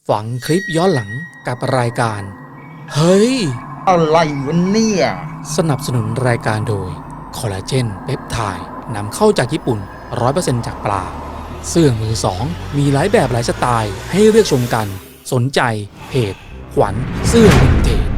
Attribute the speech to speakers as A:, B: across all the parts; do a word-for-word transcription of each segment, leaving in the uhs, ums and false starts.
A: ฝังคลิปย้อนหลังกับรายการเฮ้ย
B: อะไรวะเนี่ย
A: สนับสนุนรายการโดยคอลลาเจนเปปไทด์นำเข้าจากญี่ปุ่น ร้อยเปอร์เซ็นต์ จากปลาเสื้อมือสองมีหลายแบบหลายสไตล์ให้เลือกชมกันสนใจเพจขวัญเสื้อวินเทจ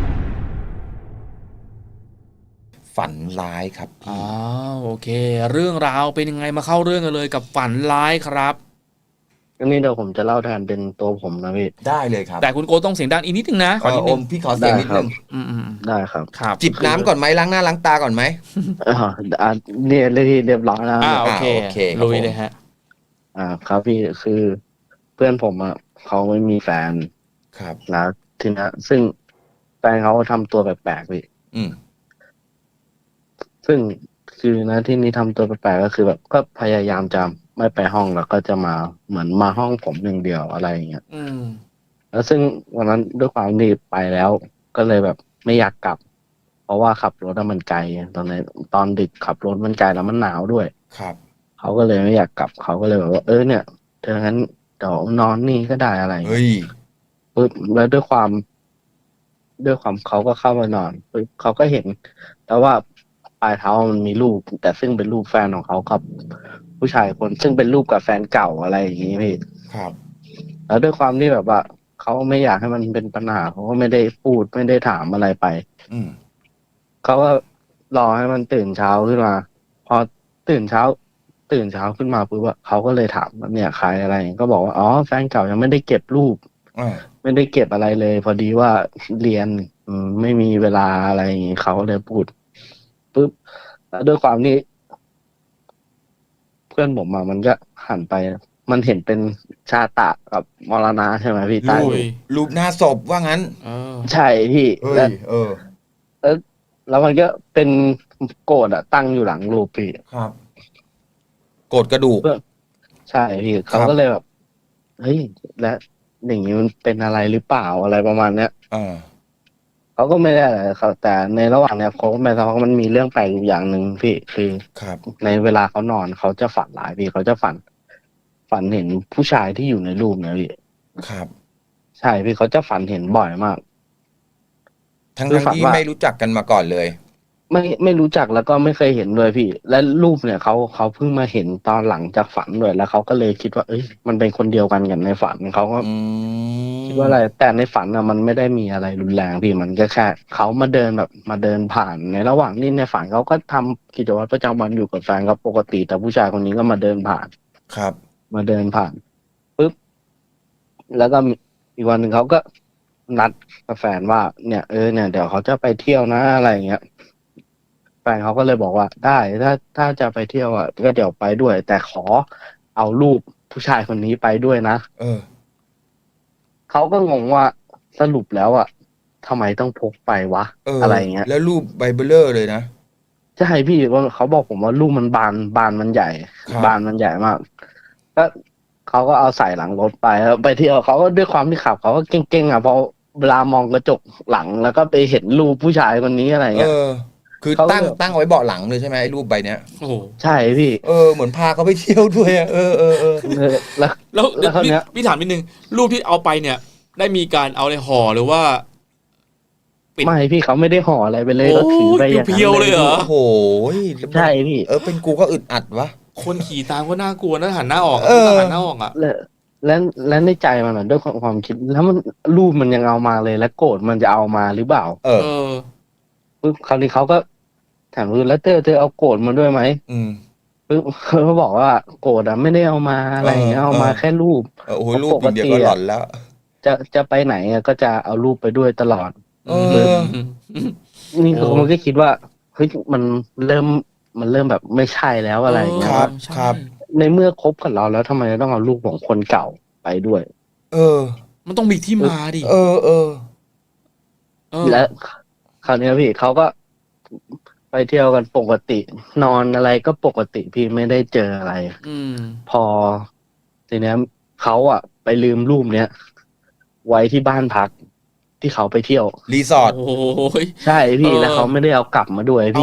B: ฝันร้ายครับ
A: อ๋อโอเคเรื่องราวเป็นยังไงมาเข้าเรื่องกันเลยกับฝันร้ายครับ
C: อันนี้เดี๋ยวผมจะเล่าแทนเป็นตัวผมนะพี่
B: ได้เลยครับ
A: แต่คุณโกต้องเสียงดังอีกนิดนึงนะ
B: ขอนิดนึงพี่ขอเสียงนิดนึง
A: อืมอืม
C: ได้ครับ
A: ครับ
B: จิบน้ำก่อนไหมล้างหน้าล้างตาก่อนไหม
C: อ่าอ่าเนี่ยเรียบเรียบร้อยแล้ว
A: อ่าโอเค
B: โอเคครับ
A: ลุยเลยฮะ
C: อ่าครับพี่คือเพื่อนผมอ่ะเขาไม่มีแฟน
B: ครับ
C: แล้วทีนี้ซึ่งแฟนเขาทำตัวแปลกๆพี่
B: อืม
C: ซึ่งคือนะที่นี้ทำตัวแปลกๆก็คือแบบก็พยายามจะไม่ไปห้องแล้วก็จะมาเหมือนมาห้องผมหนึ่งเดียวอะไรอย่างเงี้ย
A: อืม
C: แล้วซึ่งวันนั้นด้วยความที่ไปแล้วก็เลยแบบไม่อยากกลับ เพราะว่าขับรถมันไกลตอนในตอนดึกขับรถมันไกลแล้วมันหนาวด้วย
B: ครับ
C: เขาก็เลยไม่อยากกลับเขาก็เลยแบบว่าเออเนี่ยเธองั้นเดี๋ยวนอนนี่ก็ได้อะไร
B: เฮ้ย
C: ปึ๊บแล้วด้วยความด้วยความเขาก็เข้ามานอนปึ๊บเขาก็เห็นแล้วว่าปลายเท้ามันมีรูปแต่ซึ่งเป็นรูปแฟนของเขากับผู้ชายคนซึ่งเป็นรูปกับแฟนเก่าอะไรอย่างงี้พี่
B: ครับ
C: แล้วด้วยความที่แบบว่าเขาไม่อยากให้มันเป็นปัญหาเขาก็ไม่ได้พูดไม่ได้ถามอะไรไป
B: อืม
C: เขาก็รอให้มันตื่นเช้าขึ้นมาพอตื่นเช้าตื่นเช้าขึ้นมาปุ๊บอะเขาก็เลยถามว่าเนี่ยใครอะไรก็บอกว่าอ๋อแฟนเก่ายังไม่ได้เก็บรูป
B: อ่า
C: ไม่ได้เก็บอะไรเลย พอดีว่าเรียนอืมไม่มีเวลาอะไรอย่างงี้เขาเลยพูดปุ๊บแล้วด้วยความที่เพื่อนผมอะมันก็หันไป มันเห็นเป็นชาตะกับมรณะใช่ไหมพี่ใต้
A: ลุย
C: รูป
B: รูปหน้าศพว่างั้น
A: เออ
C: ใช่พี่
B: เฮ้
C: แล้ว
B: ยเออ
C: แล้วแล้วมันก็เป็นโกรธอะตั้งอยู่หลังรูปพี่
B: ครับโกดกระดูก
C: ใช่พี่
B: ค
C: เขา
B: รับ
C: ก็เลยแบบเฮ้ยและอย่างนี้มันเป็นอะไรหรือเปล่าอะไรประมาณเนี้ย
B: อ่า
C: เขาก็ไม่ได้อะไรเขาแต่ในระหว่างเนี้ยเขาก็ไม่ทราบว่ามันมีเรื่องแปลกอยู่อย่างหนึ่งพี่คือ
B: ครับ
C: ในเวลาเขานอนเขาจะฝันร้ายพี่เขาจะฝัน ฝันเห็นผู้ชายที่อยู่ในรูปเนี่ยพี่
B: ครับ
C: ใช่พี่เขาจะฝันเห็นบ่อยมาก
B: ทั้ง
C: คือฝันว่า
B: ทั้งที่ไม่รู้จักกันมาก่อนเลย
C: ไม่ไม่รู้จักแล้วก็ไม่เคยเห็นเลยพี่ และรูปเนี่ยเขาเขาเพิ่งมาเห็นตอนหลังจากฝันด้วยแล้วเขาก็เลยคิดว่าเอ้ยมันเป็นคนเดียวกันกับในฝันเขาก็
B: อื
C: คิดว่าอะไร
B: ม
C: แต่ในฝันอะมันไม่ได้มีอะไรรุนแรงพี่มันก็แค่เขามาเดินแบบมาเดินผ่านในระหว่างนี้ในฝันเขาก็ทำกิจวัตรประจำวันอยู่กับแฟนเขาปกติแต่ผู้ชายคนนี้ก็มาเดินผ่าน
B: ครับ
C: มาเดินผ่านปุ๊บแล้วก็มีอีกวันหนึ่งเขาก็นัดกับแฟนว่าเนี่ยเออเนี่ยเดี๋ยวเขาจะไปเที่ยวนะอะไรอย่างเงี้ย แฟนเขาก็เลยบอกว่าได้ถ้าถ้าจะไปเที่ยวอ่ะก็เดี๋ยวไปด้วยแต่ขอเอารูปผู้ชายคนนี้ไปด้วยนะ
B: เออ
C: เขาก็งงว่าสรุปแล้วอ่ะทำไมต้องพกไปวะ
B: เออ
C: อะไรเงี้ย
B: แล้วรูปไบเบิลเลอร์เลยนะ
C: ใช่พี่ว่าเขาบอกผมว่ารูปมันบานบานมันใหญ่
B: ครับ
C: บานมันใหญ่มากก็เขาก็เอาใส่หลังรถไปแล้วไปเที่ยวเขาก็ด้วยความที่ขับเขาก็เก่งๆอ่ะพอเวลามองกระจกหลังแล้วก็ไปเห็นรูปผู้ชายคนนี้อะไร
B: เอ
C: เงี้ย
B: อคือ
C: เขาก็
B: ตั้งตั้งไว้เบาะหลังเลยใช่ไหมไอ้รูปใบเนี้ย
A: โอ้โห
C: ใช่พี่
B: เออเหมือนพาเขาไปเที่ยวด้วยอะเออเออเออ
C: เออแล้ว
A: แล้ว
C: แล้วคราว
A: พี่
C: เนี้ย
A: พี่ถามนิดนึงรูปที่เอาไปเนี่ย ได้มีการเอาในห่อหรือว่าปิด
C: ไม่พี่เขาไม่ได้ห่ออะไรไปเลย
A: โอ้
C: เขาถือไปอย่างนั้น
A: เพียวๆเลยเหรอ
B: โอ้โหแล้วมัน
C: ใช่พี่
B: เออเป็นกูก็อึดอัดวะ
A: คนขี่ตามก็น่ากลัวนะหันหน้าออกอะ
B: เออ
A: ต้องหันหน้าออกอ่ะ
C: และและและในใจมันอะด้วยความความคิดแล้วมันรูปมันยังเอามาเลยแล้วโกรธมันจะเอามาหรือเปล่า
B: เออ
A: เออ
C: ปึ๊บคราวนี้เขาก็ถามว่าแล้วเธอเธอเอาโกรธมาด้วยไหม
B: อืม
C: ปึ๊บเขาก็บอกว่าโกรธอะไม่ได้เอามาอะไรอย่างเงี้ยเอามาแค่รูป
B: เออโอ้โห
C: เพราะ
B: รูป
C: ป
B: อก ย่างเดียว
C: ติ
B: ก็หลอ
C: อะ
B: นแล้ว
C: จะจะไปไหนอะก็จะเอารูปไปด้วยตลอด
B: เอ
C: ปึ๊บ
B: อ
C: นี่
A: โอ้
C: คือมันก็คิดว่าเฮ้ยมันเริ่มมันเริ่มแบบไม่ใช่แล้วอะไรอย่างเงี้ย
B: ครั
C: ว่า
B: บ
A: ใช่
B: ครับ
C: ในเมื่อคบกับเราแล้วทำไมต้องเอารูปของคนเก่าไปด้วย
B: เออ
A: มันต้องมีที่มาดิ
B: เออเออ
A: เออ
C: และคราวนี้พี่เขาก็ไปเที่ยวกันปกติ นอนอะไรก็ปกติพี่ไม่ได้เจออะไร
A: อืม
C: พอทีเนี้ยเขาอะไปลืมรูปเนี้ยไว้ที่บ้านพักที่เขาไปเที่ยว
B: รีสอร์ท
A: โอ้ย
C: ใช่พี่
A: เออ
C: แล้วเขาไม่ได้เอากลับมาด้วย
B: เอ้า
C: พี่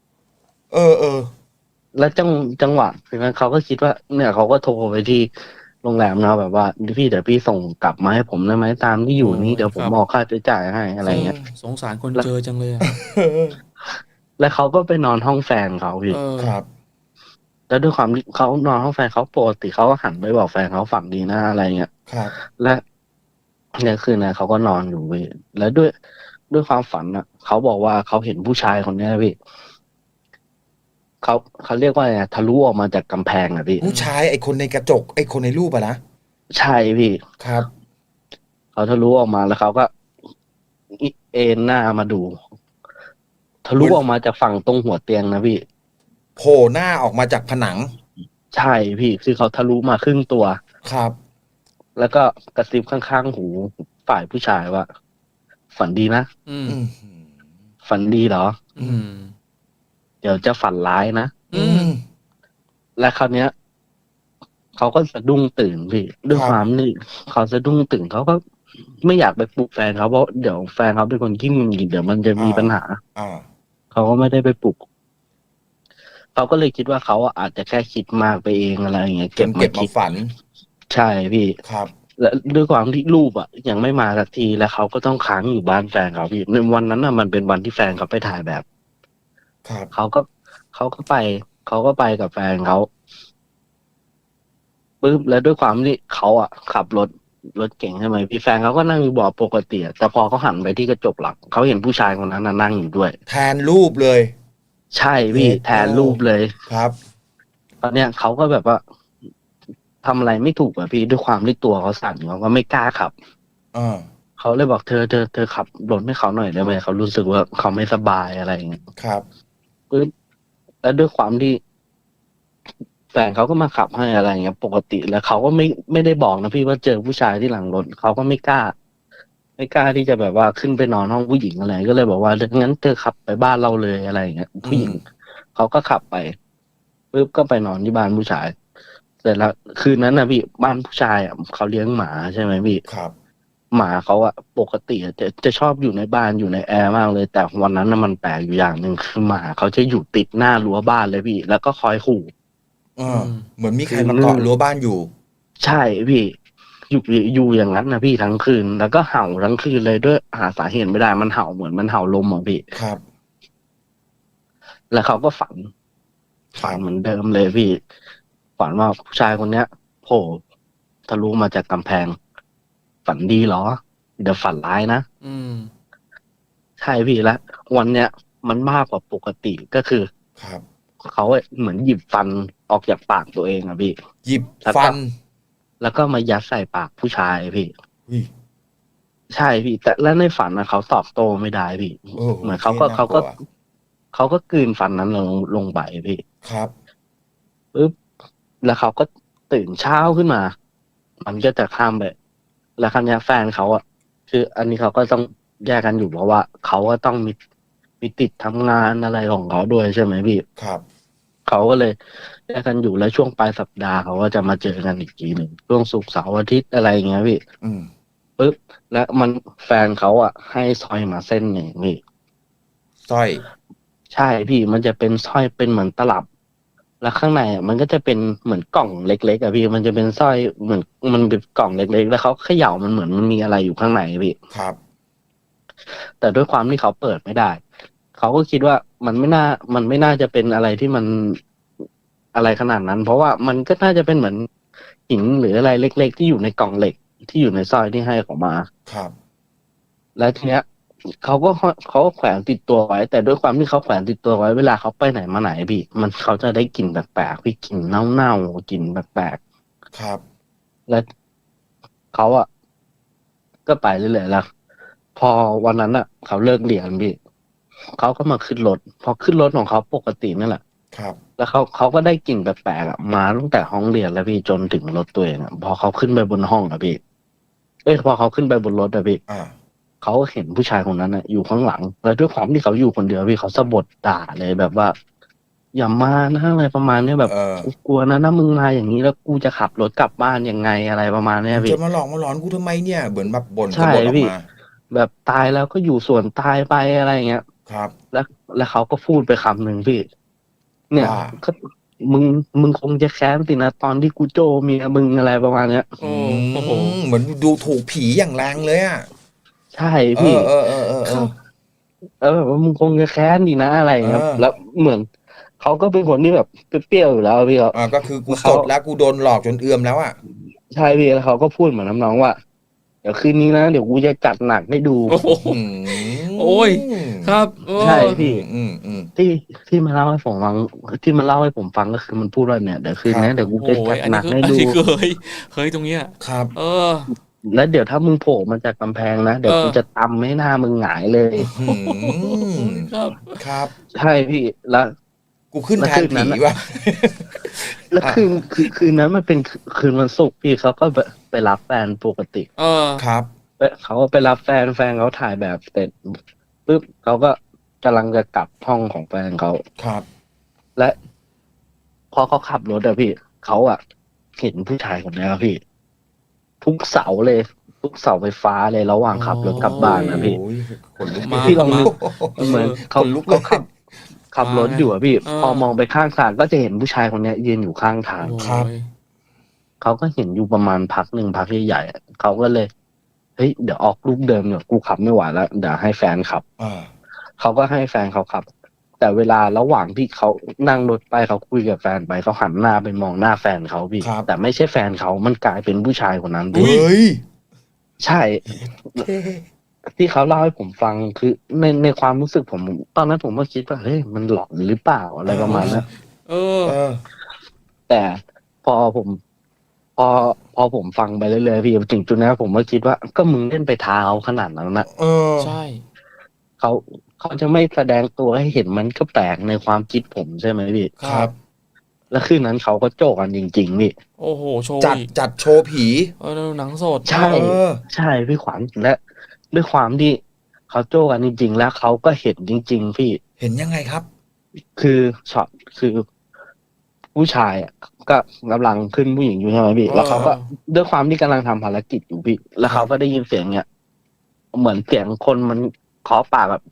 B: เออเออ
C: แล้วจังจังหวะทีนั้นเขาก็คิดว่า เนี่ยเขาก็โทรไปที่โรงแรมนะแบบว่าพี่เดี๋ยวพี่ส่งกลับมาให้ผมได้ไหมตามที่อยู่นี้
A: โอ้ย
C: เดี๋ยวผ
A: ค
C: ม
A: รับ
C: ออกค่าใช้จ่ายให้อะไรเงี้ย
A: สงสารคน
C: แล้ว
A: เจอจังเลยอะ
C: แล้วเขาก็ไปนอนห้องแฟนเขาพี่
A: เออ
B: ครับ
C: แล้วด้วยความที่เขานอนห้องแฟนเขาปกติเขาก็หันไปบอกแฟนเขาฝันดีนะอะไรเงี้ย
B: ครับ
C: และเนี่ยคืนนั้นเขาก็นอนอยู่พี่แล้วด้วยด้วยความฝันอ่ะเขาบอกว่าเขาเห็นผู้ชายคนเนี้ยพี่เขาเขาเรียกว่าไงทะลุออกมาจากกำแพงอ่ะพี่
B: ผู้ชายไอ้คนในกระจกไอ้คนในรูปอะนะ
C: ใช่พี่
B: ครับ
C: เขาทะลุออกมาแล้วเขาก็เอ็นหน้ามาดู ทะลุ
B: เหมือน
C: ออกมาจากฝั่งตรงหัวเตียงนะพี่
B: โผล่หน้าออกมาจากผนัง
C: ใช่พี่คือเขาทะลุมาครึ่งตัว
B: ครับ
C: แล้วก็กระซิบข้างๆหูฝ่ายผู้ชายว่า ฝันดีนะ
A: อืม
B: อืม
C: ฝันดีเหรอ
A: อืม
C: เดี๋ยวจะฝันร้ายนะ
A: อืม
C: และคราวเนี้ยเขาก็สะดุ้งตื่นพี่ด้วย
B: ครับ
C: ความนี่เขาสะดุ้งตื่นเขาก็ไม่อยากไปปลุกแฟนเขาเพราะเดี๋ยวแฟนเขาเป็นคนขี้หงุดหงิดเดี๋ยวมันจะมีปัญหา
B: อ่า
C: เขาก็ไม่ได้ไปปลุกเขาก็เลยคิดว่าเขาอะอาจจะแค่คิดมากไปเองอะไรอย่างเงี้ย
B: จ
C: เก็บ
B: น
C: มา
B: เก็บ
C: คิ
B: มา
C: ด
B: ฝัน
C: ใช่พี่
B: ครับ
C: และด้วยความที่รูปอะยังไม่มาสักทีแล้วเขาก็ต้องค้างอยู่บ้านแฟนเขาพี่ในวันนั้นอะมันเป็นวันที่แฟนเขาไปถ่ายแบบ
B: ครับ
C: เขาก็เขาก็ไปเขาก็ไปกับแฟนเขาปึ๊บแล้วด้วยความที่เขาอะขับรถรถเก่งใช่ไหมพี่แฟนเขาก็นั่งอยู่เบาะปกติอะแต่พอเขาหันไปที่กระจกหลังเขาเห็นผู้ชายคนนั้นน่ะนั่งอยู่ด้วย
B: แทนรูปเลย
C: ใช่พี่
B: โอ้
C: แทนรูปเลย
B: ครับ
C: ตอนเนี้ยเขาก็แบบว่าทำอะไรไม่ถูกอะพี่ด้วยความที่ตัวเขาสั่นเขาก็ไม่กล้าขับ
B: อ่า
C: เขาเลยบอกเธอเธอเธอขับรถให้เขาหน่อยได้ไหมเขารู้สึกว่าเขาไม่สบายอะไรอย่างเงี้ย
B: ครับ
C: ปึ๊บแล้วด้วยความที่แฟนเขาก็มาขับให้อะไรอย่างเงี้ย ปกติแล้วเขาก็ไม่ไม่ได้บอกนะพี่ว่าเจอผู้ชายที่หลังรถเขาก็ไม่กล้า ไม่กล้าที่จะแบบว่าขึ้นไปนอนห้องผู้หญิงอะไรก็เลยบอกว่างั้นเธอขับไปบ้านเราเลยอะไรอย่างเงี้ยผู้หญิงเขาก็ขับไปปึ๊บก็ไปนอนที่บ้านผู้ชายเสร็จแล้วคืนนั้นนะพี่บ้านผู้ชายอ่ะเขาเลี้ยงหมาใช่ไหมพี่
B: ครับ
C: หมาเขาอะปกติอะจะจะชอบอยู่ในบ้านอยู่ในแอร์มากเลย แต่วันนั้นน่ะมันแปลกอยู่อย่างหนึ่งคือหมาเขาจะอยู่ติดหน้ารั้วบ้านเลยพี่ แล้วก็คอยขู่
B: อ่า
A: อืม
B: เหมือนมีใครมาเกาะรั้วบ้านอยู่
C: ใช่พี่ อยู่อยู่อย่างนั้นนะพี่ทั้งคืน แล้วก็เห่าทั้งคืนเลยด้วยหาสาเหตุไม่ได้มันเห่าเหมือนมันเห่าลมอ่ะพี่
B: ครับ
C: แล้วเขาก็ฝัน
B: ครั
C: ฝัน
B: บ
C: เหมือนเดิมเลยพี่ ฝันว่าผู้ชายคนเนี้ยโผล่ทะลุมาจากกำแพง ฝันดีเหรอ เดี๋ยวฝันร้ายนะ
A: อืม
C: ใช่พี่แล้ววันเนี้ยมันมากกว่าปกติก็คือ
B: ครับ
C: เขาอะเหมือนหยิบฟันออกจากปากตัวเองอะพี่
B: หยิบ
C: แล้วก็
B: ฟัน
C: แล้วก็มายัดใส่ปากผู้ชายพี่
B: อุ้ย
C: ใช่พี่ แต่แล้วในฝันนะเขาตอบโต้ไม่ได้พี่
B: โอ้โห
C: เหมือนเขาก็
B: ที่น่
C: เขาก็
B: ลัว
C: เขาก็กลืนฟันนั้นลงลงไปพี่
B: ครับ
C: ปึ๊บแล้วเขาก็ตื่นเช้าขึ้นมา มันก็จะข้ามไปแล้วครั้งนี้ยแฟนเขาอะคืออันนี้เขาก็ต้องแยกกันอยู่เพราะว่าเขาก็ต้องมีมีติดทำงานอะไรของเขาด้วยใช่ไหมพี่
B: ครับ
C: เขาก็เลยแยกกันอยู่แล้วช่วงปลายสัปดาห์เขาก็จะมาเจอกันอีกทีหนึ่งช่วงศุกร์เสาร์อาทิตย์อะไรอย่างเงี้ยพี่
B: อืม
C: ปึ๊บแล้วมันแฟนเขาอ่ะ ให้สร้อยมาเส้นหนึ่งพี่
B: สร้อย
C: ใช่พี่มันจะเป็นสร้อยเป็นเหมือนตลับ แล้วข้างในอ่ะมันก็จะเป็นเหมือนกล่องเล็กๆอ่ะพี่มันจะเป็นสร้อยเหมือนมันเป็นกล่องเล็กๆแล้วเขาเขย่ามันเหมือนมันมีอะไรอยู่ข้างในพี่
B: ครับ
C: แต่ด้วยความที่เขาเปิดไม่ได้ เขาก็คิดว่ามันไม่น่า มันไม่น่าจะเป็นอะไรที่มันอะไรขนาดนั้น เพราะว่ามันก็น่าจะเป็นเหมือนหินหรืออะไรเล็ก ๆ ที่อยู่ในกล่องเหล็กที่อยู่ในสร้อยที่ให้เขามา
B: ครับ
C: แล้วทีเนี้ยเขาก็เขาก็แขวนติดตัวไว้ แต่ด้วยความที่เขาแขวนติดตัวไว้เวลาเขาไปไหนมาไหนพี่ มันเขาจะได้กลิ่นแปลกๆพี่กลิ่นเน่าๆกลิ่นแปลก
B: ครับ
C: ๆและเขาอ่ะก็ไปเรื่อยๆแล้ว พอวันนั้นอ่ะ เขาเลิกเรียนพี่เขาก็มาขึ้นรถ พอขึ้นรถของเขาปกตินั่นแหละ
B: ครับ
C: แล้วเขาเขาก็ได้กลิ่นแปลกๆอ่ะมาตั้งแต่ห้องเรียนแล้วพี่จนถึงรถตัวเองอ่ะพอเขาขึ้นไปบนห้องอ่ะพี่เอ้ยพอเขาขึ้นไปบนรถอ่ะพี่
B: อ่า
C: เขาเห็นผู้ชายคนนั้นอ่ะอยู่ข้างหลังแล้วด้วยความที่เขาอยู่คนเดียวพี่เขาสะบัดด่าเลยแบบว่า อย่ามานะอะไรประมาณเนี้ยแบบ
B: เออ
C: กูกลัวนะถ้ามึงมาอย่างนี้แล้วกูจะขับรถกลับบ้านยังไงอะไรประมาณเนี้ยพี่
B: จะมาหลอกมาหลอนกูทำไมเนี่ย เหมือนแบบบ่น
C: ใช่
B: กระบฏออ
C: พี่
B: กมา
C: แบบตายแล้วก็อยู่ส่วนตายไปอะไรอย่างเงี้ย
B: ครับ
C: แล้วแล้วเขาก็พูดไปคำหนึ่งพี่ เนี่ย
B: ว่า
C: ก็มึงมึงคงจะแค้นสินะตอนที่กูโจเมียมึงอะไรประมาณเนี้ย
A: โอ้โอ้โห
B: อืมเหมือนดูถูกผีอย่างแรงเลยอ่ะ
C: ใช่
B: เอ
C: พี่
B: อเออเออเออเออ
C: แล้วแบบว่ามึงคงจะแค้นดีนะอะไรอย่างเงี้ย
B: เออ
C: แล้วเหมือนเขาก็เป็นคนที่แบบเปรี้ยวๆอยู่แล้วพี่เขา
B: อ่าก็คือกู
C: เขา
B: สดแล้วกูโดนหลอกจนเอือมแล้วอ่ะ
C: ใช่พี่แล้วเขาก็พูดเหมือนน้องๆว่าเดี๋ยวคืนนี้นะเดี๋ยวกูจะจัดหนักให้ดู
A: โอ้โห
B: อืม
A: โอ้ย ครับเออ
C: ใช่พี่
B: อืมอืม
C: ที่ที่มาเล่าให้ผมฟังที่มันเล่าให้ผมฟังก็คือมันพูดว่าเนี่ยเดี๋ยวคืนนี้เดี๋ยวกู
A: โอ้
C: จะจั
A: ย
C: ด
A: อัน
C: ห
A: นี้
C: นัก
A: คือ
C: ให้
A: อัน
C: ดู
A: นี้เคยเคยตรงเนี้ย
B: ครับ
A: เออ
C: แล้วเดี๋ยวถ้ามึงโผล่มาจากกำแพงนะเดี๋ยว
A: เออ
C: กูจะตำให้หน้ามึงหงายเลย
B: อืม
A: ครับ
B: ครับ
C: ใช่พี่แล้ว
B: กูขึ้น
C: แล้ว
B: แทน
C: คืนนั้
B: ผี
C: นอะ
B: ว่ะ
C: แล้วคืนคืนคืนนั้นมันเป็นคืนวันศุกร์พี่เขาก็ไปไปรับแฟนปกติ
A: เออ
B: ครับ
C: ไปเขาก็ไปรับแฟนแฟนเขาถ่ายแบบเสร็จปุ๊บเขาก็กำลังจะกลับห้องของแฟนเขา
B: ครับ
C: และพอเขาขับรถอะพี่เขาอะเห็นผู้ชายคนนี้ครับพี่ ทุกเสาเลย ทุกเสาไฟฟ้าเลยระหว่างขับรถกลับบ้านนะพี่
B: โอ้ยขนลุก
A: มา
C: พี่ลองนึก
A: เออ
C: เหมือนเขา
B: ขนลุกเลย
C: เขาขับ ขับรถอยู่อะพี่
A: เออ
C: พอมองไปข้างทางก็จะเห็นผู้ชายคนเนี้ยยืนอยู่ข้างทาง
A: โอ้
B: ครับ
A: ย
C: เขาก็เห็นอยู่ประมาณพักหนึ่งพักใหญ่ๆอะเขาก็เลยเฮ้ยเดี๋ยวออกลูกเดิมเนี่ยกูขับไม่ไหวแล้วเดี๋ยวให้แฟนขับ
B: อ่า
C: เขาก็ให้แฟนเขาขับ แต่เวลาระหว่างที่เขานั่งรถไปเขาคุยกับแฟนไปเขาหันหน้าไปมองหน้าแฟนเขาพี่
B: ครับ
C: แต่ไม่ใช่แฟนเขามันกลายเป็นผู้ชายคนนั้น
B: เฮ
C: พี่
B: ้ย
C: ใช่ ที่เขาเล่าให้ผมฟังคือในในความรู้สึกผม ตอนนั้นผมก็คิดว่าเฮ้ยมันหลอนหรือเปล่าอะไรประมาณนั้น
A: เออ
B: เออ
C: แต่พอผม พอพอผมฟังไปเรื่อยๆพี่ถึงจุดนั้นผมก็คิดว่าก็มึงเล่นไปท้าเขาขนาดนั้นนะ
B: เออ
A: ใช่
C: เขาเขาจะไม่แสดงตัวให้เห็นมันก็แปลกในความคิดผมใช่ไหมพี่
B: ครับ
C: แล้วคืนนั้นเขาก็โจกกันจริงๆพี่
A: โอ้โห โชว์
B: จัด
A: อีก
B: จัดโชว์ผี
A: เออหนังสด
C: ใช่
B: เออ
C: ใช่พี่ขวัญและด้วยความที่เขาโจกกันจริง ๆ แล้วเขาก็เห็นจริง ๆ พี่
B: เห็นยังไงครับ
C: คือช็อตคือผู้ชายอะก็กำลังขึ้นผู้หญิงอยู่ใช่ไหมพี่
A: เออ
C: แล้วเขาก็ด้วยความที่กำลังทำภารกิจอยู่พี่ แล้วเขาก็ได้ยินเสียงเนี่ยเหมือนเสียงคนมันเคาะปากแบบ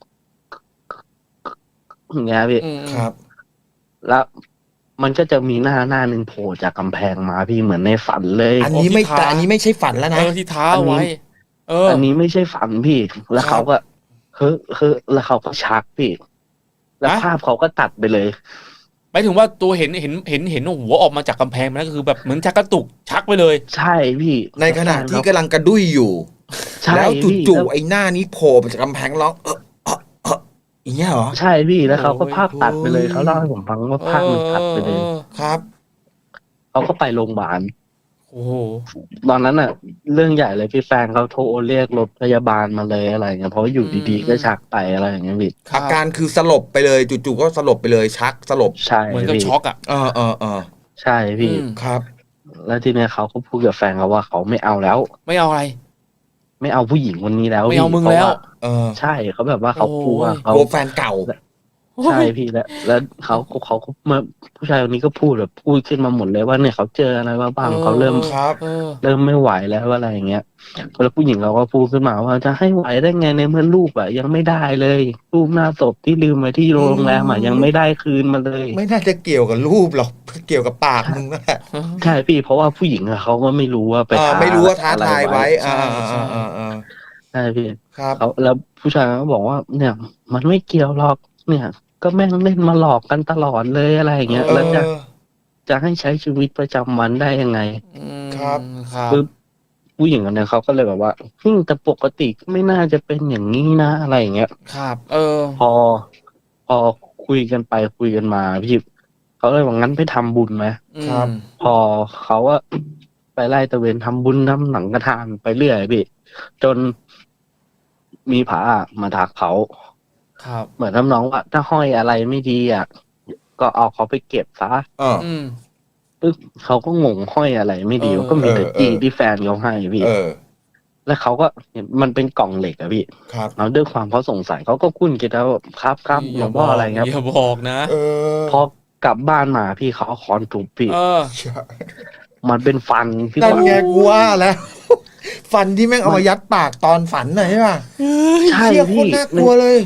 C: อย่างเงี้ยพี่
A: อืม
B: ครับ
C: แล้วมันก็จะมีหน้าหน้าหนึ่งโผล่จากกำแพงมาพี่เหมือนในฝันเลย
B: อันนี้ไม่
A: โอ้ที่ท้า
B: แต่อันนี้ไม่ใช่ฝันแล้ว
A: เอ
B: นะ
A: อที่ท้า
C: อันนี้
A: ไว้ เออ
C: อันนี้ไม่ใช่ฝันพี่ แล้ว
B: ครับ
C: เขาก็เฮ้ยเฮ้ยแล้วเขาก็ชักพี่ แล้ว
A: ฮะ
C: ภาพเขาก็ตัดไปเลย
A: หมายถึงว่าตัวเห็นเห็นเห็นเห็นหัวออกมาจากกำแพงมันก็คือแบบเหมือนชักกระตุกชักไปเลย
C: ใช่พี่
B: ในขณะที่กำลังกระดุยอยู่
C: ใช่
B: แล้ว
C: พี่
B: จู่
C: แล้ว
B: ๆไอ้หน้านี้โผล่มาจากกำแพงร้องเออเออเอออย่างเงี้ยเหรอ
C: ใช่พี่แล้วเขาก็
A: โอ้ย
C: ภาพตัดไปเลยเขาเล่าให้ผมฟังว่าภาพมันตัดไปเลย
A: ออ
B: ครับ
C: เขาก็ไปโรงพยาบาล
A: โอ้โห
C: ตอนนั้นน่ะ เรื่องใหญ่เลยพี่แฟนเขาโทรเรียกรถพยาบาลมาเลยอะไรเงี้ยเพราะว่าอยู่ดีๆก็ชักไปอะไรอย่างเงี้ยพี่
A: ครับ
B: อาการคือสลบไปเลยจู่ๆก็สลบไปเลยชักสลบ
C: ใช่
A: เหมือนกับ
C: พี่
A: ช็อกอ่ะ
B: เออเออเออ
C: ใช่พี่
A: อืม
B: ครับ
C: แล้วทีเนี้ยเขาก็พูดกับแฟนเขาว่าเขาไม่เอาแล้ว
A: ไม่เอาอะไร
C: ไม่เอาผู้หญิงคนนี้แล้ว
A: ไม่เอา
C: พี่
A: มึง
C: พระ
A: แล้ว
C: า
B: เออ
C: ใช่เขาแบบว่าเขากลัว
A: โอ้ย
C: เขา
B: กลัวแฟนเก่า
C: ใช่พี่แล้วแล้วเขาเขาเขามาผู้ชายคนนี้ก็พูดแบบพูดขึ้นมาหมดเลยว่าเนี่ยเขาเจออะไรมาบ้างเขาเริ่ม
B: ครับ
A: เออ
C: เริ่มไม่ไหวแล้วอะไรอย่างเงี้ยแล้วผู้หญิงเราก็พูดขึ้นมาว่าจะให้ไหวได้ไงในเมื่อรูปอ่ะยังไม่ได้เลยรูปหน้าศพที่ลืมไว้ที่โรงแรมอ่ะยังไม่ได้คืนมาเลย
B: ไม่น่าจะเกี่ยวกับรูปหรอกเกี่ยวกับปากมึงนั่นแหละ
C: ใช่พี่เพราะว่าผู้หญิงอะเขาก็ไม่รู้ว่าไป
B: เออ
C: ท้า
B: ไม่รู้ว่าท้าทายไว้
C: อะ
B: อ่า
A: ใช่
B: อ่า
A: ใช่
B: อ่าอ่า
C: ใช่พี่
B: ครับ
C: เขาแล้วผู้ชายก็บอกว่า เนี่ย มันไม่เกี่ยวหรอกเนี่ย ก็แม่งเล่นมาหลอกกันตลอดเลยอะไรอย่างเงี้ย
B: เอ
C: แล้วจะ
B: อ
C: จะให้ใช้ชีวิตประจำวันได้ยังไง
A: อืม
B: ครับ
A: ครับ
C: ปึ๊บผู้หญิงคนนี้เขาก็เลยแบบว่าฮึ่มแต่ปกติก็ไม่น่าจะเป็นอย่างนี้นะอะไรอย่างเงี้ย
A: ครับ เออ
C: พอ พอคุยกันไปคุยกันมาพี่เขาเลยว่างั้นไปทำบุญไหม
B: ครับ
A: อืม
C: พอเขาว่าไปไล่ตะเวนทำบุญทำหนังกระทานไปเรื่อยพี่จนมีผามาทักเขา
A: ครับ
C: เหมือนทำน้องว่าถ้าห้อยอะไรไม่ดีอ่ะก็เอาเขาไปเก็บซะ
B: เออ
A: อืม
C: ปึ๊บเขาก็งงห้อยอะไรไม่ดี
A: เออ
C: ก็มีแต่
B: เออ
C: จี
B: เออ
C: ที่แฟนเขาให้พี่
B: เออ
C: แล้วเขาก็เห็นมันเป็นกล่องเหล็กอะพี่
B: ครับ
C: แล้วด้วยความเขาสงสัยเขาก็คุ้นคิดแล้วว่าครับครับหลวงพ่ออะไรครับ
A: อย่าบอกนะ
B: เออ
C: พอกลับบ้านมาพี่เขาเอาค้อนทุบพี่
A: เออ
C: มันเป็นฟันพี่
B: นั่น
C: ว่า
B: ไงกูว่าแล้ว ฟันที่แม่งเอามายัดปากตอนฝันน่ะใช่ป่ะ
C: ใช่
B: เชี่ยโคต
C: พี่
B: รน่ากลัวเลย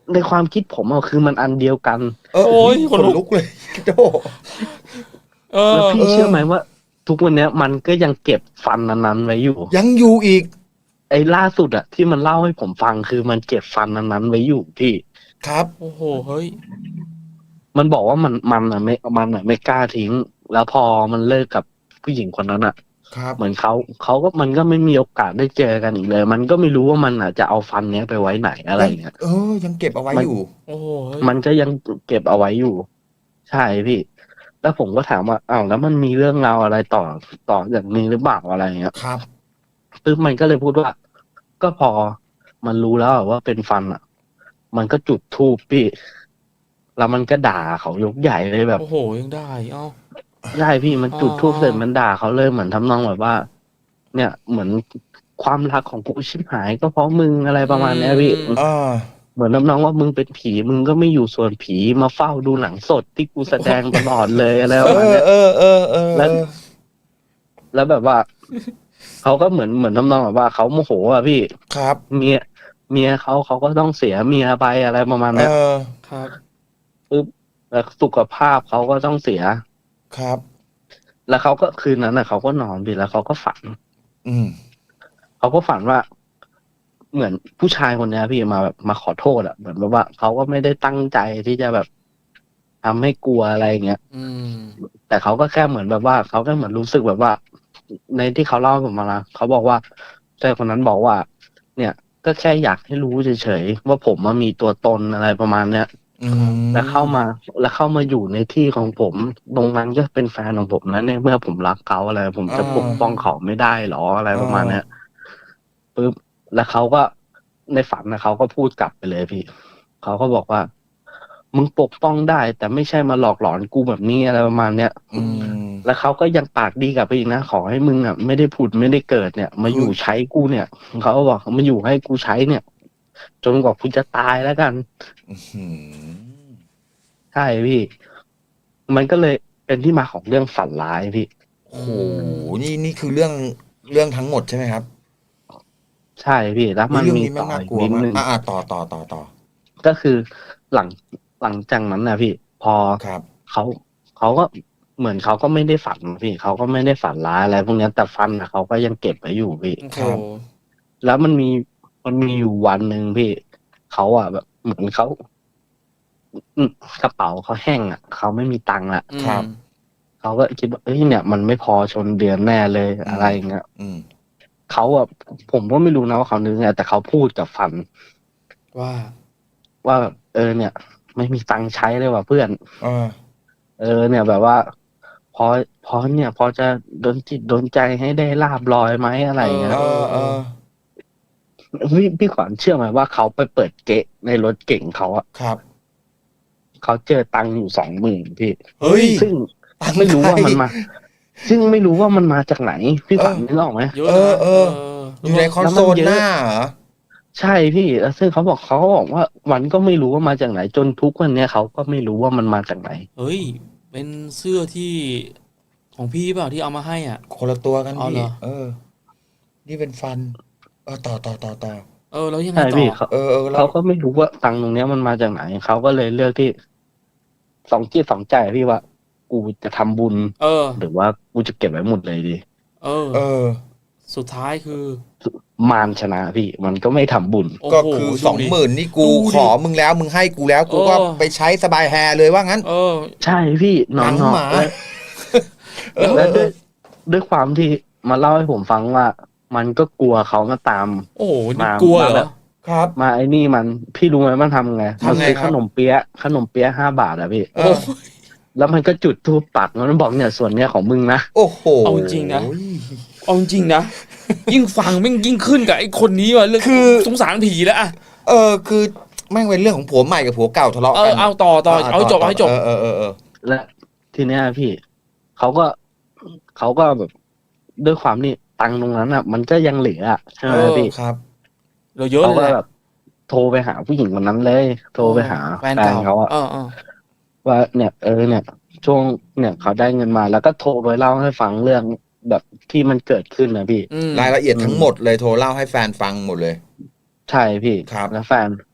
C: ในความคิดผมอะคือมันอันเดียวกัน
B: เออ
A: โอ้ย
B: ขน
A: ขนลุ
B: ลุ
A: ก
B: กเลยโจ
A: เอ
C: แล้ว
A: อ
C: พี่
B: เออ
C: เชื่อไหมว่า ทุกวันเนี้ยมันก็ยังเก็บฟันนั้นๆไว้อยู่
B: ยังอยู่อีก
C: ไอ้ล่าสุดอะที่มันเล่าให้ผมฟังคือมันเก็บฟันนั้นๆไว้อยู่พี่
B: ครับ
A: โอ้โหเฮ้ย
C: มันบอกว่ามันมันอะไม่มันอะไม่กล้าทิ้ง แล้วพอมันเลิกกับผู้หญิงคนนั้นอะ
B: ครับ
C: เหมือนเขาเขาก็มันก็ไม่มีโอกาสได้เจอกันอีกเลย มันก็ไม่รู้ว่ามันอะจะเอาฟันเนี้ยไปไว้ไหนอะไร
B: ยัง
C: อย่างเงี้ย
B: เออ ยังเก็บเอาไว้
C: มัน
B: อยู่
A: โอ้โหเฮ้ย
C: มันก็ยังเก็บเอาไว้อยู่ ใช่พี่ แล้วผมก็ถามว่าอ้าวแล้วมันมีเรื่องราวอะไรต่อต่อจากนี้หรือเปล่าอะไรอย่างเงี้ย
B: ครับ
C: ปึ๊บมันก็เลยพูดว่า ก็พอมันรู้แล้วอะว่าเป็นฟันอ่ะ มันก็จุดธูปพี่ แล้วมันก็ด่าเขายกใหญ่เลยแบบ
A: โอ้โหยังได้เอ้า
C: ใช่พี่มันจุดธูป
A: อ๋อ
C: เสร็จมันด่าเขาเลยเหมือนทำนองแบบว่า เนี่ยเหมือนความรักของกูชิบหายก็เพราะมึงอะไรประมาณเนี้ยพี่
A: อืม
B: อ่า
C: เหมือนทำนองว่ามึงเป็นผีมึงก็ไม่อยู่ส่วนผีมาเฝ้าดูหนังสดที่กูแสดงตลอดเลยอะไรประ
B: เอ
C: มาณ
B: อ
C: เนี้ย
B: เออ เออ เออ
C: แล้ว แล้วแบบว่า เขาก็เหมือนเหมือนทำนองแบบว่าเขาโมโหอ่ะพี่
B: ครับ
C: เมียเมียเขาเขาก็ต้องเสียเมียไปอะไรประมาณ
B: เอ
C: เนี้ย
B: อ
A: ครับ
C: ปึ๊บแล้วสุขภาพเขาก็ต้องเสีย
B: ครับ
C: แล้วเขาก็คืนนั้นน่ะเขาก็นอนไปแล้วเขาก็ฝัน
B: อืม
C: เขาก็ฝันว่า เหมือนผู้ชายคนเนี้ยพี่มาแบบมาขอโทษอ่ะเหมือนแบบว่าเขาก็ไม่ได้ตั้งใจที่จะแบบทำให้กลัวอะไรอย่างเงี้ย
A: อืม
C: แต่เขาก็แค่เหมือนแบบว่าเขาแค่เหมือนรู้สึกแบบว่า ในที่เขาเล่าให้ผมมานะเขาบอกว่าชายคนนั้นบอกว่า เนี่ย ก็แค่อยากให้รู้เฉยๆว่าผมมามีตัวตนอะไรประมาณเนี้ย
B: อืม
C: แล้วเข้ามา แล้วเข้ามาอยู่ในที่ของผมตรงนั้นก็เป็นแฟนของผมนะในเมื่อผมรักเขาอะไร ผมจะ
B: อ่า
C: ปกป้องเขาไม่ได้หรออะไร
B: อ่า
C: ประมาณเนี้ยปึ๊บแล้วเขาก็ในฝันนะเขาก็พูดกลับไปเลยพี่เขาก็บอกว่า มึงปกป้องได้ แต่ไม่ใช่มาหลอกหลอนกูแบบนี้อะไรประมาณเนี้ย
B: อืม
C: แล้วเขาก็ยังปากดีกลับไปอีกนะขอให้มึงอ่ะไม่ได้ผุดไม่ได้เกิดเนี่ย มาอยู่ใช้กูเนี่ยเขาก็บอกมาอยู่ให้กูใช้เนี่ย จนกว่ากูจะตายแล้วกัน
B: อื้อหือ
C: ใช่พี่ มันก็เลยเป็นที่มาของเรื่องฝันร้ายพี่
B: โอ้โห นี่นี่คือเรื่องเรื่องทั้งหมดใช่ไหมครับ
C: ใช่พี่ แล้วมัน
B: เรื่อง
C: มี
B: นี้แม่
C: ต่
B: ง
C: อ
B: น่า
C: อีก
B: กลัว
C: นิด
B: มาก
C: นึง
B: อ่าอ่าต่อต่อต่อต่อ
C: ก็คือหลังหลังจากนั้นนะพี่ พอ
B: ครับ
C: เขาเขาก็เหมือนเขาก็ไม่ได้ฝันพี่เขาก็ไม่ได้ฝันร้ายอะไรพวกเนี้ยแต่ฟันนะเขาก็ยังเก็บไว้อยู่พี่
A: โอ้โห
B: ครับ
C: แล้วมันมีมันมีอยู่วันหนึ่งพี่เขาอ่ะแบบเหมือนเขาอืมกระเป๋าเขาแห้งอ่ะเขาไม่มีตังค์ละ
A: อืม
B: ครับ
C: เขาก็คิดว่าเอ้ยเนี่ย มันไม่พอชนเดือนแน่เลย
B: อืม
C: อะไรอย่างเงี้ย
B: อืม
C: เขาอ่ะผมก็ไม่รู้นะว่าเขานึกไงแต่เขาพูดกับฟัน
A: ว่า
C: ว่าแบบเออเนี่ย ไม่มีตังค์ใช้เลยว่ะเพื่อน
B: อ่า
C: เออเนี่ย แบบว่า พอพอเนี่ย พอจะโดนจิตโดนใจให้ได้ลาบลอยไหมอะไรอย่างเงี้ย
B: เออเออ
C: พี่พี่ขวัญเชื่อไหมว่าเขาไปเปิดเกะในรถเก่งเขาอะ
B: ครับ
C: เขาเจอตังค์อยู่สองหมื่นพี่
B: เฮ้ย
C: ซึ่ง
B: ตังค์
C: ไม่รู้ว่า
B: ใคร
C: มันมา ซึ่งไม่รู้ว่ามันมาจากไหน พี่ขวัญ
B: เออ
C: นึกออกไหม
A: เยอะ
B: เออ
A: นะ
B: เออ อยู่ในคอนโซลหน้าเหรอ
C: ใช่พี่แล้วซึ่งเขาบอกเขาก็บอกว่ามันก็ไม่รู้ว่ามาจากไหน จนทุกวันเนี้ยเขาก็ไม่รู้ว่ามันมาจากไหน
A: เฮ้ย เป็นเสื้อที่ของพี่เปล่าที่เอามาให้อ่ะ
B: คนละตัวกัน
A: เอาเหร
B: พี่
A: อ
B: เออ นี่เป็นฟัน เออ ต่อต่อต่อต่อ
A: เออ แล้วยังไง
C: ใช่
A: ต่
C: พี่
A: อ
C: เขา
B: เออเออแล้
C: เขา
B: ว
C: ก็ไม่รู้ว่าตังค์ตรงเนี้ยมันมาจากไหนเขาก็เลยเลือกที่สองจิตสองใจพี่ว่า กูจะทำบุญ
A: เออ
C: หรือว่ากูจะเก็บไว้หมดเลยดี
A: เออ
B: เออ
A: สุดท้ายคือ
C: มารชนะพี่ มันก็ไม่ทำบุญ
A: โอ้
B: ก็
A: โห
B: คือ
A: ดู
B: สอง
A: ดิ
B: หมื่นนี่กู
A: ดูดิ
B: ขอมึงแล้ว มึงให้กูแล้ว กูก็
A: เออ
B: ไปใช้สบายแฮร์เลยว่างั้น
A: เออ
C: ใช่พี่น
B: ห
C: อ
B: นั
C: น
B: ง
C: นอ
B: หมา
C: แล้ว
B: เออ
C: แล้ว
B: เอ
C: ด้วย
B: อ
C: ด้วยความที่มาเล่าให้ผมฟังว่า มันก็กลัวเขามาตาม
A: โอ้โหนี่
C: มาก
A: ลัว
C: มา
A: เห
C: แบ
A: รอ
C: บ
B: ครับ
C: มาไอ้นี่มันพี่รู้ไหมมันทำไง
B: ทำไง
C: มันซื้อ
B: ครั
C: ข
B: บ
C: นมเปี๊ยะขนมเปี๊ยะห้าบาทอะพี่
B: เอ
A: โอ้
B: อ
A: โห
C: แล้วมันก็จุดธูปปักมันบอกเนี่ยส่วนเนี้ยของมึงนะ
B: โอ้โห
A: เอาจริงๆนะ เอาจริงๆนะ ยิ่งฟังแม่งยิ่งขึ้นกับไอ้คนนี้ว่ะเรื่อง
B: คือ
A: สงสารผีแล้วอะ
B: เออ คือแม่งเป็นเรื่องของผัวใหม่กับผัวเก่าทะเลาะ
A: เอ
B: กั
A: อน เอาต่อต่อเอาให้จบเอาให้จบ
B: เออเออเออเออ
C: และทีเนี้ยพี่เขาก็เขาก็แบบด้วยความนี่ตังค์ตรงนั้นอะมันก็ยังเหลืออะใช่ไหม
A: เออ
C: พี่
B: ครับ
A: เราเยอะ
C: เขา
A: เลย
C: ก็
A: แหละ
C: แบบโทรไปหาผู้หญิงคนนั้นเลย โทรไปหา
A: แฟน
C: แฟน
A: เก่า
C: เขาอะ
A: เออเออ
C: ว่าเนี่ยเออเนี่ย ช่วงเนี่ยเขาได้เงินมา แล้วก็โทรไปเล่าให้ฟังเรื่องแบบที่มันเกิดขึ้นนะพี่
A: อืม
B: รายละเอียดทั้งหมดเลยโทรเล่าให้แฟนฟังหมดเลย
C: ใช่พี่
B: ครับ
C: แล้วแฟน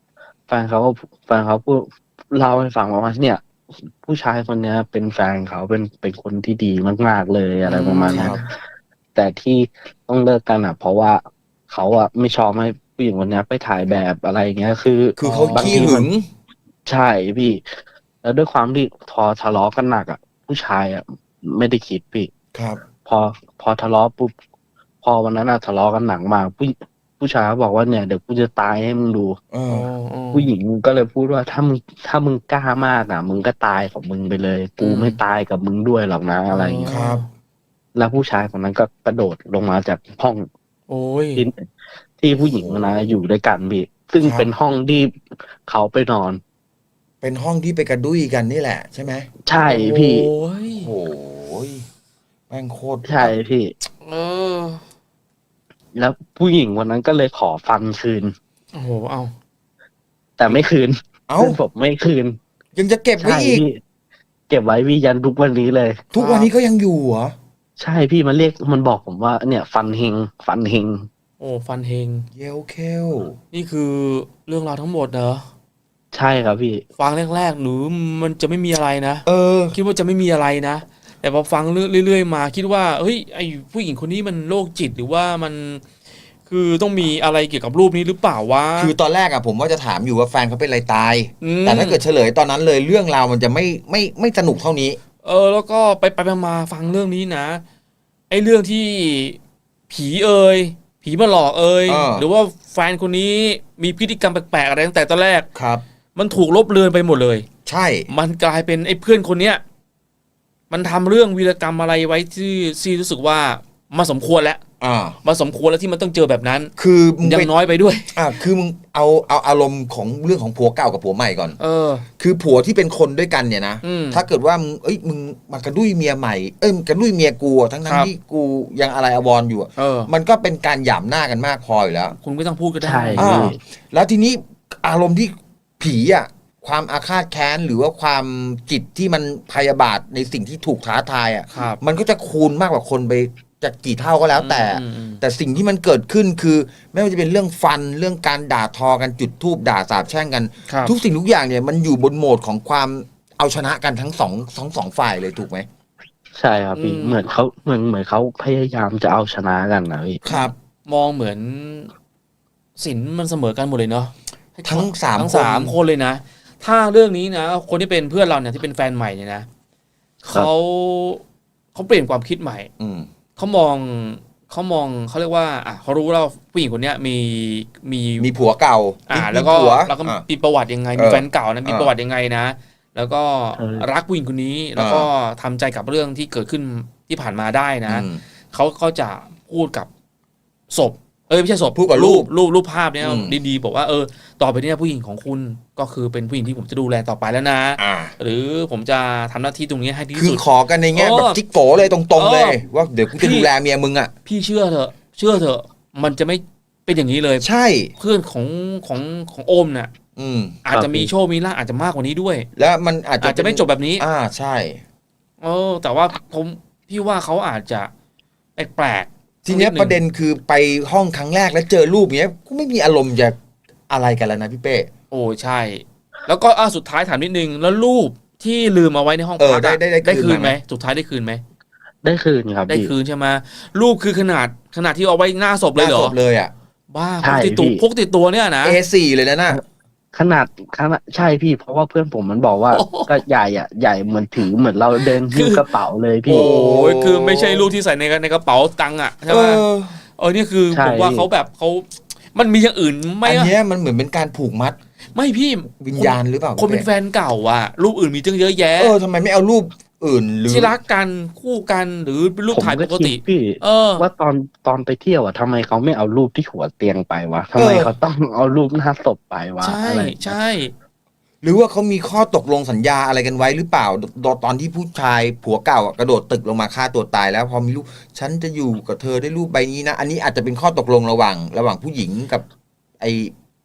C: แฟนเขาก็แฟนเขาพูดเล่าให้ฟังว่าเนี่ย ผู้ชายคนเนี้ย เป็นแฟนเขาเป็นเป็นคนที่ดีมากๆเลยอะไรประมาณ
B: ค
C: เนี้
B: รั
C: ย
B: บ
C: แต่ที่ต้องเลิกกันอ่ะ เพราะว่าเขาอ่ะไม่ชอบให้ผู้หญิงคนเนี้ยไปถ่ายแบบอะไรอย่างเงี้ย คือ
B: คือเขา
C: บาง
B: ขี้
C: ที
B: หึ
C: มัน
B: ง
C: ใช่พี่ แล้วด้วยความที่พอทะเลาะกันหนักอ่ะ ผู้ชายอ่ะไม่ได้คิดพี่
B: ครับ
C: พอพอทะเลาะปุ๊บพอวันนั้นอ่ะทะเลาะกันหนักมากผู้ผู้ชายเขาบอกว่าเนี่ยเดี๋ยวกูจะตายให้มึงดู
B: เอ
A: อ๋
B: อ
A: ออ๋อ
C: ผู้หญิงก็เลยพูดว่าถ้ามึงถ้ามึงกล้ามากอ่ะ มึงก็ตายของมึงไปเลย กู
A: อืม
C: ไม่ตายกับมึงด้วยหรอกนะอะไรอย่างเงี้ย
B: ครับ
C: แล้วผู้ชายคนนั้นก็กระโดดลงมาจากห้อง
A: โอ้ย
C: ที่ที่ผู้หญิงคนนั้นอยู่ด้วยกันพี่ ซึ่ง
B: ครับ
C: เป็นห้องที่เขาไปนอน
B: เป็นห้องที่ไปกระดุยกันนี่แหละใช่ไหม
C: ใช่พี่
A: โอ้ย
B: โอ้โหแม่งโคตร
C: ใช่พี่
A: เออ
C: แล้วผู้หญิงวันนั้นก็เลยขอฟันคืน
A: โอ้โห เอา
C: แต่ไม่คืน
B: เอ้า
C: เพื่อนผมไม่คืน
B: ยังจะเก็บไว้
C: ใช่
B: อีก
C: พี่ เก็บไว้พี่ยันทุกวันนี้เลย
B: ทุกวันนี้ก็ยังอยู่เหรอ
C: ใช่พี่มันเรียกมันบอกผมว่าเนี่ย ฟันเฮงฟันเฮง
A: โอ้ฟันเฮง
B: เยลเคล
A: นี่คือเรื่องราวทั้งหมดเหรอ
C: ใช่ครับพี่
A: ฟังแรกๆหนูมันจะไม่มีอะไรนะ
B: เออ
A: คิดว่าจะไม่มีอะไรนะ แต่พอฟังเรื่อยๆมาคิดว่าเฮ้ยไอผู้หญิงคนนี้มันโรคจิตหรือว่ามันคือต้องมีอะไรเกี่ยวกับรูปนี้หรือเปล่าวะ
B: คือตอนแรกอะผมว่าจะถามอยู่ว่าแฟนเขาเป็นอะไรตาย
A: อืม
B: แต่ถ้าเกิดเฉลยตอนนั้นเลยเรื่องราวมันจะไม่ไม่ไม่สนุกเท่านี้
A: เออแล้วก็ไปไปๆมาๆฟังเรื่องนี้นะไอเรื่องที่ผีเอ่ยผีมาหลอกเอ่ย
B: เออ
A: หรือว่าแฟนคนนี้มีพฤติกรรมแปลกๆอะไรตั้งแต่ตอนแรก
B: ครับ
A: มันถูกลบเลือนไปหมดเลย
B: ใช่
A: มันกลายเป็นไอ้เพื่อนคนเนี้ยมันทำเรื่องวีรกรรมอะไรไว้ที่ซีรู้สึกว่ามาสมควรแล้ว
B: อ่า
A: มาสมควรแล้วที่มันต้องเจอแบบนั้น
B: คือมึง
A: ยั
B: ไป
A: งน้อยไปด้วย
B: อ่าคือมึงเอาเอาอารมณ์ของเรื่องของผัวเก่ากับผัวใหม่ก่อน
A: เออ
B: คือผัวที่เป็นคนด้วยกันเนี่ยนะ
A: อืม
B: ถ้าเกิดว่ามึงเอ้ยมึงมากระดุยเมียใหม่เอ้ยกระดุยเมียกูอะทั้ง
A: ค
B: ทั้ง
A: รับ
B: ที่กูยังอะไรอววรอยู่อะ
A: เออ
B: มันก็เป็นการหยามหน้ากันมากพออยู่แล้ว
A: คุณไม่ต้องพูดก็ได้
C: ใช่
B: อ่า
C: พี่
B: แล้วทีนี้อารมณ์ที่ผีอ่ะความอาฆาตแค้นหรือว่าความจิตที่มันพยาบาทในสิ่งที่ถูกท้าทายอ่ะ
A: ครับ
B: มันก็จะคูณมากกว่าคนไปจะกี่เท่าก็แล้วแต่
A: อืมอืม
B: แต่สิ่งที่มันเกิดขึ้นคือ ไม่ว่าจะเป็นเรื่องฟันเรื่องการด่าทอกันจุดทูบด่าสาบแช่งกัน
A: ครับ
B: ทุกสิ่งทุกอย่างเนี่ยมันอยู่บนโหมดของความเอาชนะกันทั้งสองทั้งสองฝ่ายเลยถูกไหม
C: ใช่ครับพี่
A: อืม
C: เหมือนเขาเหมือนเหมือนเขาพยายามจะเอาชนะกันนะพี่
B: ครับ
A: มองเหมือนสินมันเสมอกันหมดเลยเนาะ
B: ทั้งสาม
A: ทั้ง
B: คน
A: สามคนเลยนะ ถ้าเรื่องนี้นะคนที่เป็นเพื่อนเราเนี่ยที่เป็นแฟนใหม่เนี่ยนะเขาเขาเปลี่ยนความคิดใหม่
B: อืม
A: เขามองเขามองเขาเรียกว่าอ่ะเขารู้แล้วผู้หญิงคนเนี้ยมีมี
B: มีผัวเก่า
A: อ่า
B: มี
A: แล้วก็
B: ผัว
A: แล้วก็
B: อ่ะ
A: มีประวัติยังไง
B: เออ
A: มีแฟนเก่านะมี
B: เออ
A: ประวัติยังไงนะ แล้วก็
C: เออ
A: รักผู้หญิงคนนี้ แล้วก็ทำใจกับเรื่องที่เกิดขึ้นที่ผ่านมาได้นะ
B: อืม
A: เขาก็จะพูดกับศพ เอ้ยไม่ใช่ศพ
B: พูดกับรูป
A: รูปรูปภาพเนี้ย
B: อืม
A: ดีๆบอกว่าเออต่อไปเนี้ยผู้หญิงของคุณก็คือเป็นผู้หญิงที่ผมจะดูแลต่อไปแล้วนะ
B: อ่า
A: หรือผมจะทำหน้าที่ตรงนี้ให้ดี
B: คื
A: ที่
B: อ
A: สุด
B: ขอกันในแง่
A: เออ
B: แบบจิ๊กโกเลยตรงๆเลย
A: เออ
B: ว่าเดี๋ยวกูจะ
A: พี่
B: ดูแลเมียมึงอ่ะ
A: พี่เชื่อเถอะ เชื่อเถอะ มันจะไม่เป็นอย่างนี้เลย
B: ใช่
A: เพื่อนของของของโอมน่ะ
B: อืม
A: อาจจะมีโชคมีลาภอาจจะมากกว่านี้ด้วย
B: แล้วมันอาจจะ
A: อาจจะไม่จบแบบนี้
B: อ่าใช่
A: เออ แต่ว่าผมพี่ว่าเขาอาจจะแปลกๆ
B: ทีเนี้ย
A: ดง
B: ประเด็นคือไปห้องครั้งแรกแล้วเจอรูปเนี้ยกูไม่มีอารมณ์จะอะไรกันแล้วนะพี่เป้
A: โอ้ใช่ แล้วก็อ่ะสุดท้ายถามนิดนึง แล้วรูปที่ลืมเอาไว้ในห้อง
B: เออ
A: พัก
B: ได้
A: อะ
B: ได้ได้
A: ได้
B: คื
A: คื
B: น
A: น
B: มา
A: ไห
B: ไห
A: ม
B: ม
A: สุดท้ายได้คืนไหม
C: ได้คืนครับ
A: ได้
C: พี่
A: คืนใช่ไหมรูปคือขนาดขนาดที่เอาไว้หน้าศพ
B: ห
A: เลย
B: น้า
A: เหร
B: ศ
A: อ
B: พเลยอ่ะ
A: บ้า
C: ใช่
A: พกติดตัว
C: พี่
A: พกติดตัวเนี่ยนะ
B: เอ สี่ เลยนะน่ะ
C: ขนาดขนาดใช่พี่ เพราะว่าเพื่อนผมมันบอกว่า
A: โอ้โห
C: ก็ใหญ่อ่ะใหญ่เหมือนถือเหมือนเราเดินหิ้วกระเป๋าเลยพี่
A: โอ้ยคือไม่ใช่รูปที่ใส่ในในกระเป๋าตังค์อ่ะใช่
B: เอ
A: ไหม
B: อ
A: เออนี่คือ
C: ใช่
A: ผมว่าเขาแบบเขามันมีอย่างอื่นไหม่
B: อัน
A: อะ
B: เนี้ยมันเหมือนเป็นการผูกมัด
A: ไม่พี่
B: วิญญาณหรือเปล่า
A: คนเป็นแฟนเก่าอ่ะ รูปอื่นมีตั้งเยอะแยะ
B: เออทำไมไม่เอารูปอื่นหรือ
A: ที่รักกันคู่กันหรือเป็นรูป
C: ผม
A: ถ่าย
C: ก็
A: ปก
C: คิ
A: ติ
C: ดพี่
A: เออ
C: ว่าตอนตอนไปเที่ยวอ่ะทำไมเขาไม่เอารูปที่หัวเตียงไปวะทำไมเขาต้องเอารูปหน้าศพไปวะ
A: ใช่
C: อะไร
A: ใช่
B: หรือว่าเขามีข้อตกลงสัญญาอะไรกันไว้หรือเปล่าตอนตอนที่ผู้ชายผัวเก่าอะกระโดดตึกลงมาฆ่าตัวตายแล้วพอมีรูปฉันจะอยู่กับเธอได้รูปใบนี้นะ อันนี้อาจจะเป็นข้อตกลงระหว่าง ระหว่างผู้หญิงกับไอ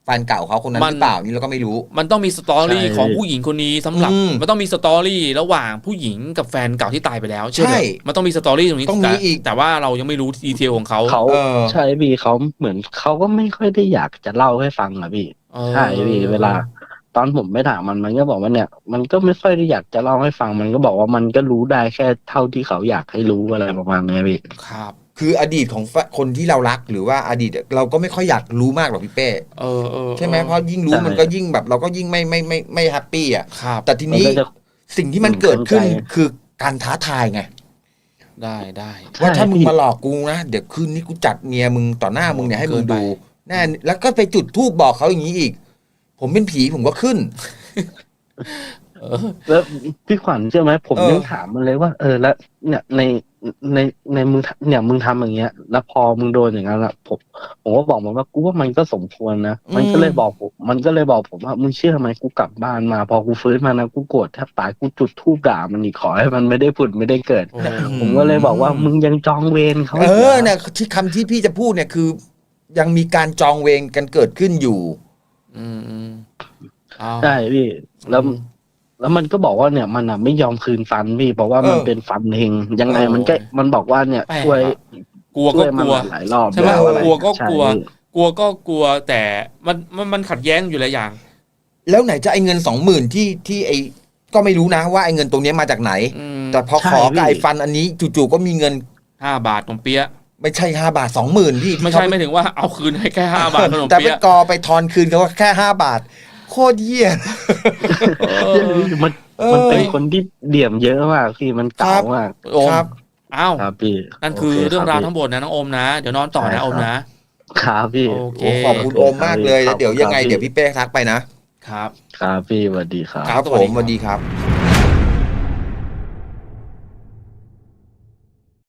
B: แฟนเก่าเขาคนนั้น
A: มัน
B: หรือเปล่านี่เราก็ไม่รู้
A: มันต้องมีสตอรี่
C: ใช่
A: ของผู้หญิงคนนี้สำหรับ
B: อืม
A: มันต้องมีสตอรี่ระหว่างผู้หญิงกับแฟนเก่าที่ตายไปแล้วเชื่อ
B: ใช่
A: เถอะมันต้องมีสตอรี่ตรงนี้
B: ต้องมีอีก
A: แต่ว่าเรายังไม่รู้ดีเทลของเขา
C: เขา
B: เออ
C: ใช่พี่เขาเหมือนเขาก็ไม่ค่อยได้อยากจะเล่าให้ฟังอะพี่
A: เออ
C: ใช่พี่เวลา ตอนผมไปถามมันมันก็บอกว่าเนี่ย มันก็ไม่ค่อยได้อยากจะเล่าให้ฟัง มันก็บอกว่ามันก็รู้ได้แค่เท่าที่เขาอยากให้รู้อะไรประมาณนี้พี่
A: ครับ
B: คืออดีตของแฟคนที่เรารักหรือว่าอดีตเราก็ไม่ค่อยอยากรู้มากหรอกพี่เป้
A: เออเออ
B: ใช่ไหมเพราะยิ่งรู้
C: ใช่
B: มันก็ยิ่งแบบ เราก็ยิ่งไม่ไม่ไม่ไม่แฮปปี้อ่ะ
A: ครับ
B: แต่ทีนี้
C: มันก็จะ
B: สิ่งที่มันเกิดขึ้น
C: เข้าใจ
B: คือการท้าทายไง
A: ได้ได้
B: ว่าถ้ามึง
C: พี่
B: มาหลอกกูนะเดี๋ยวคืนนี้กูจัดเมียมึงต่อหน้ามึงเนี่ยให้มึง
A: เกินไป
B: ดูแน่แล้วก็ไปจุดธูปบอกเขาอย่างนี้อีก ผมเป็นผีผมก็ขึ้น
A: เออ
C: แล้วพี่ขวัญเชื่อไหมผม
B: เออ
C: ยังถามมันเลยว่า เออแล้วเนี่ยในในในมึงเนี่ยมึงทำอย่างเงี้ย แล้วพอมึงโดนอย่างนั้นละผมผมก็บอกมันว่ากูว่ามันก็สมควรนะมันก็เลยบอกผมมันก็เลยบอกผมว่ามึงเชื่อไหมกูกลับบ้านมา พอกูฟื้นมานะกูโกรธแทบตายกูจุดธูปด่ามันอีกขอให้มันไม่ได้ผุดไม่ได้เกิด
A: โอ้
C: ผมก็เลยบอกว่ามึงยังจองเวรเขา
B: เอ
C: อีกหร
B: อเนี่ยที่คำที่พี่จะพูดเนี่ยคือ ยังมีการจองเวรกันเกิดขึ้นอยู่
A: อืมอืมเอา
C: ใช่พี่แล้ว แล้วมันก็บอกว่าเนี่ยมันอ่ะไม่ยอมคืนฟันพี่เพราะว่ามัน
B: เออ
C: เป็นฟันเฮงยังไง
A: เออ
C: มันก็มันบอกว่าเนี่ย
A: แปลก
C: ช่วย
A: อะกลัว
C: ช่
A: ก็
C: วย
A: ก
C: มัน
A: ลัว
C: หลายรอบ
A: ใช่ไหม
C: แล้วอะไร
A: กลัวก็
C: ใช่
A: กลัว
C: พี่
A: กลัวก็กลัวแต่มันมันมันขัดแย้งอยู่หลายอย่าง
B: แล้วไหนจะไอ้เงินสองหมื่นที่ที่ไอ้ก็ไม่รู้นะว่าไอ้เงินตรงเนี้ยมาจากไหน
A: อืม
B: แต่พอ
C: ใช่
B: ขอกับ
C: พี่
B: ไอ้ฟันอันนี้จู่ๆก็มีเงิน
A: ห้าบาทของเปี๊ยะ
B: ไม่ใช่ห้าบาทสองหมื่นพี่ที่
A: ไม่ใช่
B: เขา
A: ไม่ถึงว่าเอาคืนให้แค่ห้าบาทขนม
B: แต่ไป
A: เปี๊ยะ
B: กอไปทอนคืนเขาว่าแค่ห้าบาท โคตรเยี่ย
A: เอ
C: เอ
A: อ
C: อมัน
B: เออ
C: มันเป็นคนที่เดี่ยมเยอะมากพี่มันเก่า
B: ครับ
C: มาก
A: โอม
B: ครับ
A: อ้าว
C: ครับพี่
A: นั่นคือ
C: โ
A: เรื่องราว
C: คบ
A: ทั้งหมดนะน้องโอมนะ เดี๋ยวนอนต่อ
C: ใช่
A: นะโอม
C: ครับ
A: นะ
C: ครับพี่
A: โอเค
B: โอ้ขอบคุณโอมมากเลยแล้วเดี๋ยวยังไงเดี๋ยวพี่เป้ทักไปนะ
A: ครับ
C: ครับพี่สวัสดีครับ
B: ครับ
A: ส
B: ผ
A: วัสดี
B: ม
A: ครับ
B: สวัสดีครับ